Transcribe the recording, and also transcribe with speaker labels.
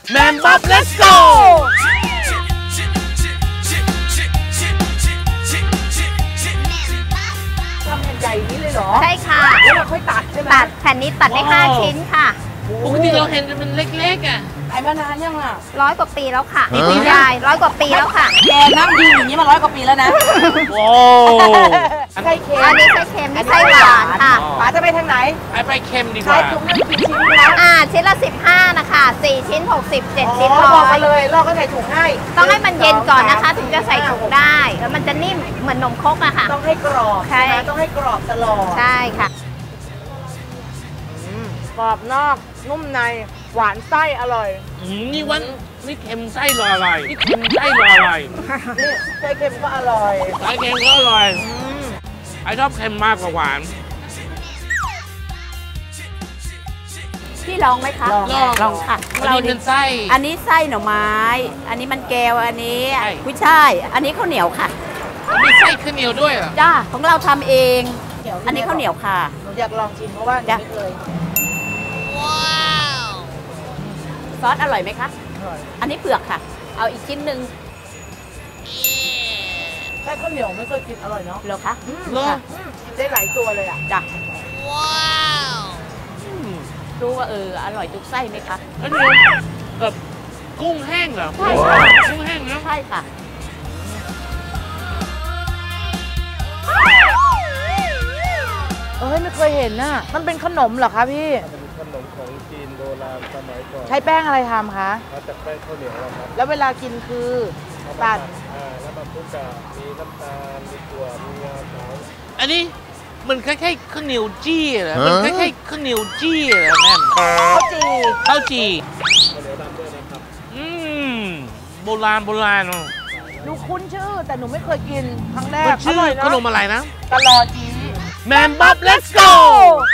Speaker 1: แมนบ๊อบ let's go
Speaker 2: ทำแผ่นใหญ่นี้เลยเหรอ
Speaker 3: ใช่ค่ะ
Speaker 2: แล้วเราค่อยตัดใช่ไหม
Speaker 3: ตัดแผ่นนี้ตัดได้5 ชิ้นค่ะ
Speaker 1: ปกติเราเห็นมันเล็กๆอ่ะ
Speaker 2: ขายมานานยังอ่ะ
Speaker 3: 100 กว่าปีแล้วค่ะคุณยาย100 กว่าปีแล้วค่ะ
Speaker 2: แกนั่งยืนอย่างนี้มา100 กว่าปีแล้วนะ
Speaker 1: โอ้
Speaker 2: ไส้เค็ม
Speaker 3: อันนี้ไส้เค็มนี่ไส้หวานค่ะ
Speaker 2: ป๋าจะไปทางไหน
Speaker 1: ไปเค็มดีกว่า
Speaker 2: ใช้ถุงนึงกี่ชิ้นคะ
Speaker 3: ชิ้นละ15นะคะ4 ชิ้น60 7 ชิ้น
Speaker 2: บอกมาเลยเราก็ใส่ถุงให้
Speaker 3: ต้องให้มันเย็นก่อนนะคะถึงจะใส่ถุงได้แล้วมันจะนิ่มเหมือนนมครกอะค่ะ
Speaker 2: ต้องให้กรอบใช่ไหมต้องให้กรอบตลอด
Speaker 3: ใช่ค่ะ
Speaker 2: กรอบนอกนุ่มในหวานไส้อร่อย
Speaker 1: นี่เค็มไส้อร่อยนี่เค็มไส้อร่อย
Speaker 2: นี่ไส้เค็มก็อร่อย
Speaker 1: ไส้เค็มก็อร่อยไอชอบเค็มมากกว่าหวาน
Speaker 4: พี่ลองไหมคะลองค่ะ
Speaker 1: เราเป็นไส้
Speaker 4: อันนี้ไส้หน่อไม้อันนี้มันแก้วอันนี้กุ้ยช่ายอันนี้ข้าวเหนียวค่ะ
Speaker 1: มีไส้ข้าวเหนียวด้วยเหรอ
Speaker 4: จ้าของเราทำเองอันนี้ข้าวเหนียวค่ะ
Speaker 2: หนูอยากลองชิมเพราะว่าไม่เคย
Speaker 4: ซอสอร่อยไหมคะอันนี้เปลือกค่ะเอาอีกชิ้นหนึ่ง
Speaker 2: ไส้ข้าวเหนียวไม่เคยกินอร่อยเนาะ
Speaker 4: เหรอคะ
Speaker 2: ได้หลายตัวเลยอ่ะ
Speaker 4: จ้ะรู้ว่าอร่อยทุกไส้ไหมคะ
Speaker 1: อันนี้แบบกุ้งแห้งเหรอ
Speaker 4: ใช่ค่ะ
Speaker 1: กุ้งแห้งนะ
Speaker 4: ใช่ค่ะ
Speaker 2: ไม่เคยเห็นน่ะมันเป็นขนมเหรอคะพี่
Speaker 5: ขนมของจีนโบราณสมัยก่อน
Speaker 2: ใช้แป้งอะไรทำคะ
Speaker 5: มาจากแป้งข้าวเหนียวครับ
Speaker 2: แล้วเวลากินคือตัด
Speaker 5: แล้วมาคลุกกับมีน้ำตาลมีถั่วมีงาขาว
Speaker 1: อันนี้มันคล้ายๆข้าวเหนียวจี้เหรอมันคล้ายๆข้าวเหนียวจี้เหรอแม่
Speaker 2: ข้าวจี
Speaker 5: ข้าวเหนียวดำด้วยนะครับ
Speaker 1: โบราณ
Speaker 2: หนูคุ้นชื่อแต่หนูไม่เคยกินครั้งแรก
Speaker 1: ชื่อขนมอะไรนะ
Speaker 2: ตลอดจี
Speaker 1: แมนบ๊อบ let's go